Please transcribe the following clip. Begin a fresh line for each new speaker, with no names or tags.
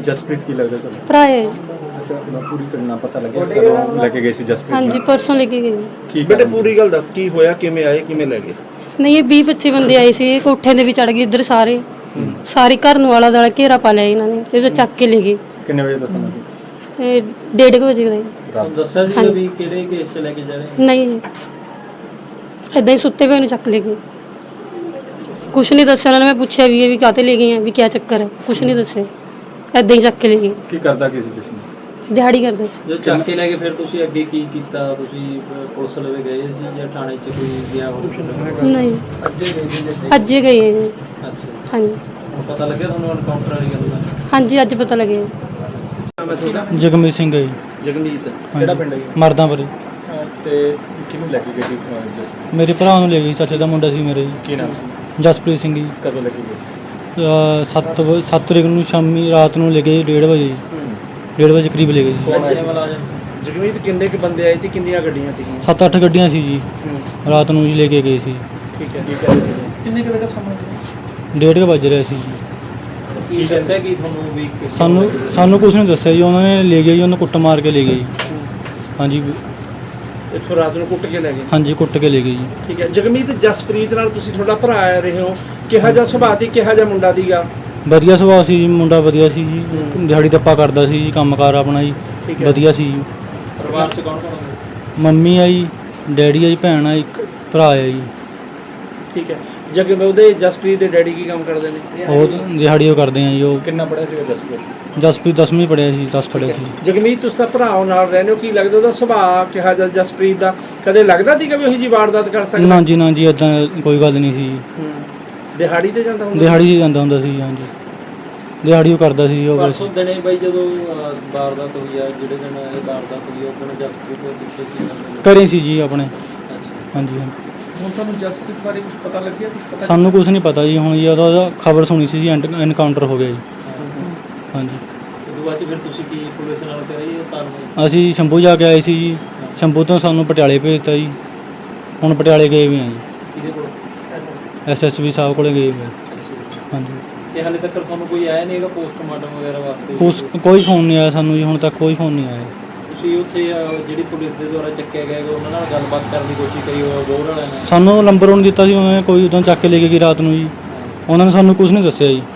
ਜਸਪ੍ਰੀਤ ਕੀ ਲੱਗਦਾ ਤੁਹਾਨੂੰ?
ਭਰਾ ਹੈ।
ਅੱਛਾ, ਪੂਰੀ ਘਟਨਾ ਪਤਾ ਲੱਗਿਆ ਕਦੋਂ ਲੈ ਕੇ ਗਏ ਸੀ ਜਸਪ੍ਰੀਤ?
ਹਾਂਜੀ, परसों लेके गए।
ਕੀ
ਬੇਟੇ ਪੂਰੀ ਗੱਲ ਦੱਸ ਕੀ ਹੋਇਆ, ਕਿਵੇਂ ਆਏ, ਕਿਵੇਂ ਲੈ ਗਏ?
नहीं, ये 20-25 बंदे आए थे, कोठे दे भी चढ़ गए इधर सारे घर नूं आला दुआला घेरा पा लिया इन्होंने ते चक के ले गए।
ਕਿੰਨੇ ਵਜੇ ਦਾ ਸਮਾਂ ਸੀ?
1:30 बजे का।
ਰਾਤ
ਦੱਸਿਆ ਸੀ ਵੀ ਕਿਹੜੇ ਕੇਸ 'ਚ ਲੈ ਕੇ ਜਾ ਰਹੇ?
नहीं जी, इदां ही सुत्ते पे चक ले गए। कुछ नहीं दस्या उन्होंने। मैं पूछा भी काहते ले गए हैं, भी क्या चक्कर है, कुछ नहीं दस्या, इदां ही चक के ले गए।
ਕੀ ਕਰਦਾ ਕੀ ਸੀ ਤੁਸੀਂ?
दिहाड़ी करते सी।
ਜੋ ਚੱਕ ਕੇ ਲੈ ਕੇ ਫਿਰ ਤੁਸੀਂ ਅੱਗੇ ਕੀ ਕੀਤਾ? ਤੁਸੀਂ ਪੁਲਿਸ ਲਵੇ ਗਏ ਸੀ ਜਾਂ ਥਾਣੇ 'ਚ ਕੋਈ ਗਿਆ ਹੋ?
नहीं, अज्जे गए हैं जी।
ਅੱਛਾ,
हाँ जी,
ਹੁਣ ਪਤਾ ਲੱਗਿਆ ਤੁਹਾਨੂੰ ਐਨਕਾਊਂਟਰ ਵਾਲੀ ਗੱਲ ਦਾ?
हाँ जी, अज पता लगे।
ਨਾਮ ਹੈ ਤੁਹਾਡਾ?
ਜਗਮੀਤ ਸਿੰਘ ਹੈ ਜੀ।
ਜਗਮੀਤ।
ਕਿਹੜਾ ਪਿੰਡ ਹੈ?
ਮਰਦਾਂ ਪਰ
ਤੇ ਕਿਹਨੂੰ ਲੈ ਕੇ ਗਏ ਸੀ ਜਸਪ੍ਰੀਤ?
ਮੇਰੇ ਭਰਾ ਨੂੰ ਲੈ ਗਈ, ਚਾਚੇ ਦਾ ਮੁੰਡਾ ਸੀ ਮੇਰੇ ਜੀ,
ਕੀ ਨਾਮ ਸੀ?
ਜਸਪ੍ਰੀਤ ਸਿੰਘ ਜੀ।
ਕਦੋਂ ਲੈ ਕੇ ਗਏ ਸੀ?
7 ਤਰੀਕ ਨੂੰ ਸ਼ਾਮੀ ਰਾਤ ਨੂੰ ਲੈ ਗਏ 1:30 ਵਜੇ ਜੀ। 1:30 ਵਜੇ ਕਰੀਬ ਲੈ ਗਏ ਜੀ।
ਬੱਚੇ ਵਾਲਾ ਆ ਜਾਂਦੇ
ਜਗਮੀਤ ਕਿੰਨੇ ਕੁ ਬੰਦੇ ਆਏ ਤੇ ਕਿੰਨੀਆਂ ਗੱਡੀਆਂ ਸੀਗੀਆਂ?
7-8 ਗੱਡੀਆਂ ਸੀ ਜੀ, ਰਾਤ ਨੂੰ ਜੀ ਲੈ ਕੇ ਗਏ ਸੀ।
ਠੀਕ ਹੈ।
ਕੀ ਕਰ ਰਹੇ ਸੀ?
ਕਿੰਨੇ ਕੁ ਵਜੇ ਦਾ ਸਮਾਂ?
1:30 ਵੱਜ ਰਿਹਾ ਸੀ ਜੀ।
ਕੀ ਦੱਸਿਆ ਕੀ ਤੁਹਾਨੂੰ ਵੀ
ਸਾਨੂੰ ਕੁਝ ਨਹੀਂ ਦੱਸਿਆ ਜੀ, ਉਹਨਾਂ ਨੇ ਲੈ ਗਏ ਜੀ, ਉਹਨੂੰ ਕੁੱਟ ਮਾਰ ਕੇ ਲੈ ਗਏ ਜੀ। ਹਾਂਜੀ
ਇੱਥੋਂ ਰਾਤ ਨੂੰ ਕੁੱਟ ਕੇ ਲੈ ਗਏ?
ਹਾਂਜੀ, ਕੁੱਟ ਕੇ ਲੈ ਗਏ ਜੀ।
ਠੀਕ ਹੈ। ਜਗਮੀਤ, ਜਸਪ੍ਰੀਤ ਨਾਲ ਤੁਸੀਂ ਤੁਹਾਡਾ ਭਰਾ ਆ ਰਹੇ ਹੋ, ਕਿਹਾ ਜਿਹਾ ਸੁਭਾਅ ਦੀ, ਕਿਹਾ ਜਿਹਾ ਮੁੰਡਾ ਦੀਗਾ?
ਵਧੀਆ ਸੁਭਾਅ ਸੀ ਜੀ, ਮੁੰਡਾ ਵਧੀਆ ਸੀ ਜੀ, ਦਿਹਾੜੀ ਦੱਪਾ ਕਰਦਾ ਸੀ ਜੀ, ਕੰਮਕਾਰ ਆਪਣਾ ਜੀ
ਠੀਕ ਹੈ।
ਵਧੀਆ ਸੀ ਜੀ।
ਪਰਿਵਾਰ 'ਚ ਕੌਣ ਕੌਣ ਹੁੰਦਾ?
ਮੰਮੀ ਆ ਜੀ, ਡੈਡੀ ਆ ਜੀ, ਭੈਣ ਆ, ਇੱਕ ਭਰਾ ਆ ਜੀ।
ਠੀਕ ਹੈ। ਉਹਦੇ ਜਸਪ੍ਰੀਤ ਦੇ ਡੈਡੀ ਕੀ ਕੰਮ ਕਰਦੇ ਨੇ?
ਉਹ ਦਿਹਾੜੀ ਉਹ ਕਰਦੇ ਆ ਜੀ। ਉਹ
ਕਿੰਨਾ ਪੜਿਆ ਸੀਗਾ ਜਸਪ੍ਰੀਤ?
ਜਸਪ੍ਰੀਤ 10ਵੀਂ ਪੜ੍ਹਿਆ ਸੀ, 10 ਪੜ੍ਹਿਆ ਸੀ।
ਜਗਮੀਤ, ਤੁਸੀਂ ਤਾਂ ਭਰਾ ਨਾਲ ਰਹਿੰਦੇ ਹੋ, ਕੀ ਲੱਗਦਾ ਉਹਦਾ ਸੁਭਾਅ ਕਿਹਾ ਜਿਹਾ ਜਸਪ੍ਰੀਤ ਦਾ? ਕਦੇ ਲੱਗਦਾ ਸੀਗਾ ਵੀ ਉਹੀ ਜੀ ਵਾਰਦਾਤ ਕਰ ਸਕਦਾ?
ਨਾ ਜੀ, ਨਾ ਜੀ, ਇਦਾਂ ਕੋਈ ਗੱਲ ਨਹੀਂ ਸੀ।
ਦਿਹਾੜੀ ਤੇ ਜਾਂਦਾ ਹੁੰਦਾ?
ਦਿਹਾੜੀ 'ਚ ਜਾਂਦਾ ਹੁੰਦਾ ਸੀ। ਹਾਂਜੀ, ਦਿਹਾੜੀ ਉਹ ਕਰਦਾ ਸੀ ਉਹ।
ਪਰਸੋਂ ਦਿਨੇ ਬਾਈ ਜਦੋਂ ਵਾਰਦਾਤ ਹੋਈ ਆ, ਜਿਹੜੇ ਦਿਨ ਇਹ ਵਾਰਦਾਤ ਹੋਈ ਉਹ ਦਿਨ ਜਸਪ੍ਰੀਤ ਦੇ ਕਿੱਥੇ ਸੀ?
ਘਰੇ ਸੀ ਜੀ ਆਪਣੇ।
ਅੱਛਾ,
ਹਾਂਜੀ ਹਾਂਜੀ।
ਹੁਣ ਤੁਹਾਨੂੰ ਜਸਪ੍ਰੀਤ ਬਾਰੇ ਕੁਝ ਪਤਾ ਲੱਗਿਆ? ਕੁਝ ਪਤਾ
ਸਾਨੂੰ ਕੁਝ ਨਹੀਂ ਪਤਾ ਜੀ। ਹੁਣ ਜੀ ਉਹਦਾ ਖਬਰ ਸੁਣੀ ਸੀ ਜੀ, ਐਨਕਾਊਂਟਰ ਹੋ ਗਿਆ ਜੀ। ਹਾਂਜੀ।
ਉਦੋਂ ਬਾਅਦ 'ਚ ਫਿਰ ਤੁਸੀਂ ਕੀ ਪੁਲਿਸ ਨਾਲ ਕਰੀ ਕਾਰਵਾਈ?
ਅਸੀਂ ਸ਼ੰਭੂ ਜਾ ਕੇ ਆਏ ਸੀ ਜੀ, ਸ਼ੰਭੂ ਤੋਂ ਸਾਨੂੰ ਪਟਿਆਲੇ ਭੇਜਤਾ ਜੀ। ਹੁਣ ਪਟਿਆਲੇ ਗਏ ਵੀ ਆ ਜੀ,
ਕਿਹਦੇ ਕੋਲ?
SSB ਸਾਹਿਬ ਕੋਲੇ ਗਏ ਵੀ ਆ। ਹਾਂਜੀ।
ਤੇ ਹਾਲੇ ਤੱਕ ਤੁਹਾਨੂੰ ਕੋਈ ਆਇਆ ਨਹੀਂ ਹੈਗਾ ਪੋਸਟਮਾਰਟਮ ਵਗੈਰਾ ਵਾਸਤੇ?
ਕੋਈ ਫੋਨ ਨਹੀਂ ਆਇਆ ਸਾਨੂੰ ਜੀ, ਹੁਣ ਤੱਕ ਕੋਈ ਫੋਨ ਨਹੀਂ ਆਇਆ।
ਤੁਸੀਂ ਉੱਥੇ ਜਿਹੜੀ ਪੁਲਿਸ ਦੇ ਦੁਆਰਾ ਚੱਕਿਆ ਗਿਆ ਹੈਗਾ, ਉਹਨਾਂ ਨਾਲ ਗੱਲਬਾਤ ਕਰਨ ਦੀ ਕੋਸ਼ਿਸ਼ ਕਰੀ ਹੋਇਆ ਗੋਰ ਵਾਲਿਆਂ ਨੇ?
ਸਾਨੂੰ ਨੰਬਰ ਉਹਨੇ ਦਿੱਤਾ ਸੀ, ਉਹਨਾਂ ਨੇ ਕੋਈ ਉਦੋਂ ਚੱਕ ਕੇ ਲੈ ਕੇ ਗਈ ਰਾਤ ਨੂੰ ਜੀ। ਉਹਨਾਂ ਨੇ ਸਾਨੂੰ ਕੁਝ ਨਹੀਂ ਦੱਸਿਆ ਜੀ।